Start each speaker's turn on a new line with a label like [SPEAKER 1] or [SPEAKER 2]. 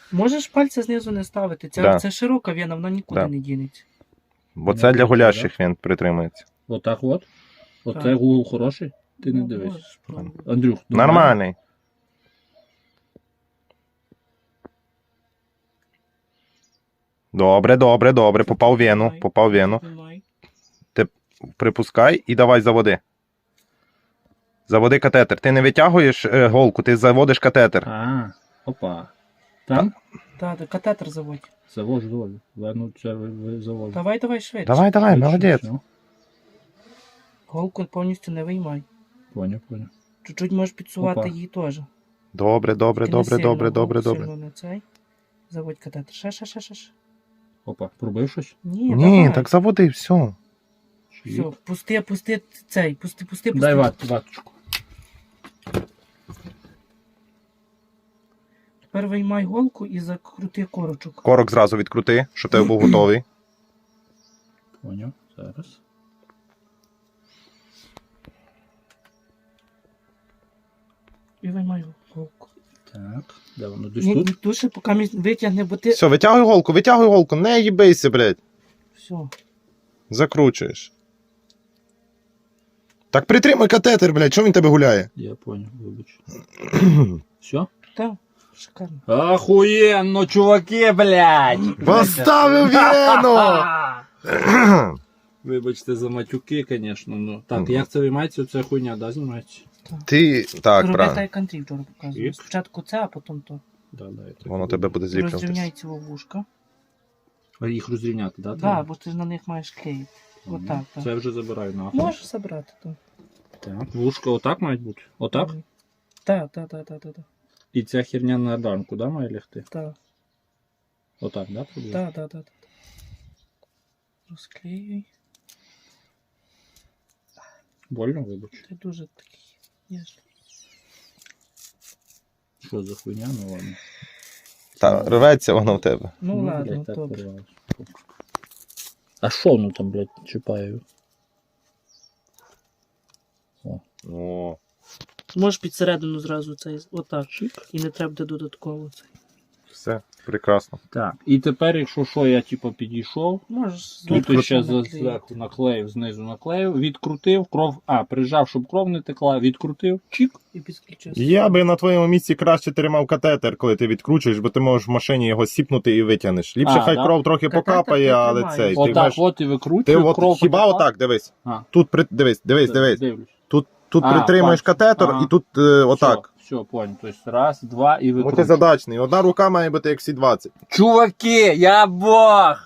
[SPEAKER 1] Можеш пальця знизу не ставити.
[SPEAKER 2] Да.
[SPEAKER 1] Це широка вена, вона нікуди
[SPEAKER 2] Да.
[SPEAKER 1] не дінеться.
[SPEAKER 2] Бо це для гулящих він притримується.
[SPEAKER 3] Отак от. Оце
[SPEAKER 1] Так.
[SPEAKER 3] гул хороший. Ти не
[SPEAKER 1] Ну,
[SPEAKER 3] дивись.
[SPEAKER 1] можеш пробувати.
[SPEAKER 3] Андрюх,
[SPEAKER 2] Нормальний. Добре, добре, добре. Попав в вену, попав в вену.
[SPEAKER 1] Тримай.
[SPEAKER 2] Припускай і давай заводи. Заводи катетер. Ти не витягуєш голку, ти заводиш катетер.
[SPEAKER 3] А, опа. Там?
[SPEAKER 1] Так, катетер заводь.
[SPEAKER 3] Завожу долю. Ладно, це завожу.
[SPEAKER 1] Давай швидше.
[SPEAKER 2] Давай, давай,
[SPEAKER 3] Швидше,
[SPEAKER 2] молодець.
[SPEAKER 3] все.
[SPEAKER 1] Голку повністю не виймай.
[SPEAKER 3] Поняв.
[SPEAKER 1] Чуть-чуть можеш підсувати
[SPEAKER 3] Опа.
[SPEAKER 1] її теж.
[SPEAKER 2] Добре, добре,
[SPEAKER 1] Тільки не
[SPEAKER 2] добре,
[SPEAKER 1] сильно,
[SPEAKER 2] добре, добре,
[SPEAKER 1] голку
[SPEAKER 2] добре.
[SPEAKER 1] сильно не цей. Заводь катетер. Ще.
[SPEAKER 3] Опа, пробив щось?
[SPEAKER 1] Ні,
[SPEAKER 2] Ні,
[SPEAKER 1] давай.
[SPEAKER 2] так заводи, все.
[SPEAKER 1] Все, пусти цей, пусти.
[SPEAKER 3] Дай ваточку.
[SPEAKER 1] Тепер виймай голку і закрути корочок.
[SPEAKER 2] Корок зразу відкрути, щоб тебе був готовий.
[SPEAKER 3] Поняв, зараз.
[SPEAKER 1] І виймай голку.
[SPEAKER 3] Так, де воно? Десь тут?
[SPEAKER 1] Ні, дуже поки витягне, бо ти...
[SPEAKER 2] Все, витягуй голку, не їбейся, блядь.
[SPEAKER 1] Все.
[SPEAKER 2] Закручуєш. Так притримай катетер, блядь, чому він тебе гуляє?
[SPEAKER 3] Я поняв, вибач. Все?
[SPEAKER 1] Так, шикарно.
[SPEAKER 3] Охуєнно, чуваки, блядь!
[SPEAKER 2] Поставив вену!
[SPEAKER 3] Вибачте за матюки, звісно, ну. Так, як це виймається, оця хуйня, да, знімається?
[SPEAKER 2] Ти, так,
[SPEAKER 1] Роби
[SPEAKER 2] правильно.
[SPEAKER 1] так, Андрій вчора показував.
[SPEAKER 3] І?
[SPEAKER 1] Спочатку це, а потім то.
[SPEAKER 3] Да, я так
[SPEAKER 2] Воно
[SPEAKER 3] роблю.
[SPEAKER 2] тебе буде зліплюватись.
[SPEAKER 1] Розрівняй ці вушка.
[SPEAKER 3] А їх розрівняти, да?
[SPEAKER 1] Так,
[SPEAKER 3] треба?
[SPEAKER 1] бо ти ж на них маєш клеїти. Отак, так.
[SPEAKER 3] Це вже забираю нахуй.
[SPEAKER 1] Можеш забрати, так.
[SPEAKER 3] Так, вушка отак мають бути? Отак?
[SPEAKER 1] Так.
[SPEAKER 3] І ця херня на рамку, да, має лягти?
[SPEAKER 1] Так.
[SPEAKER 3] Отак, да, приблизно?
[SPEAKER 1] Так. Розклеюй.
[SPEAKER 3] Больно, вибач.
[SPEAKER 1] Ти дуже такий. ніжний.
[SPEAKER 3] Що за хуйня, ну ладно.
[SPEAKER 2] Та рветься воно в тебе.
[SPEAKER 1] Ну ладно,
[SPEAKER 3] блядь, так
[SPEAKER 1] добре.
[SPEAKER 3] порвалось. А що воно там, блядь, чіпає?
[SPEAKER 2] О.
[SPEAKER 1] Можеш під середину зразу цей, отак.
[SPEAKER 3] Чик.
[SPEAKER 1] І не треба буде додатково цей.
[SPEAKER 2] Все, прекрасно.
[SPEAKER 3] Так, і тепер, якщо що, я типу підійшов,
[SPEAKER 1] Можеш
[SPEAKER 3] тут
[SPEAKER 1] зверху
[SPEAKER 3] ще
[SPEAKER 1] наклеїти.
[SPEAKER 3] зверху наклеїв, знизу наклеїв, відкрутив, кров, прижав, щоб кров не текла, відкрутив, чик.
[SPEAKER 1] І підключив.
[SPEAKER 2] Я би на твоєму місці краще тримав катетер, коли ти відкручуєш, бо ти можеш в машині його сіпнути і витягнеш. Ліпше хай
[SPEAKER 3] да?
[SPEAKER 2] кров трохи
[SPEAKER 1] Катетер
[SPEAKER 2] покапає,
[SPEAKER 1] ти
[SPEAKER 2] але
[SPEAKER 1] тримаєш.
[SPEAKER 2] цей. Ти
[SPEAKER 3] Отак
[SPEAKER 2] маєш...
[SPEAKER 3] от і
[SPEAKER 2] Ти
[SPEAKER 3] викручує,
[SPEAKER 2] от
[SPEAKER 3] кров
[SPEAKER 2] хіба
[SPEAKER 3] потекла.
[SPEAKER 2] отак, дивись.
[SPEAKER 3] А.
[SPEAKER 2] Тут дивись.
[SPEAKER 3] Дивлюсь.
[SPEAKER 2] Тут
[SPEAKER 3] А,
[SPEAKER 2] притримуєш
[SPEAKER 3] бачу.
[SPEAKER 2] катетер
[SPEAKER 3] Ага.
[SPEAKER 2] і тут отак.
[SPEAKER 3] Все, понял. Тобто раз, два і викручує.
[SPEAKER 2] Мультизадачний. Одна рука має бути як всі 20.
[SPEAKER 3] Чуваки, я бог!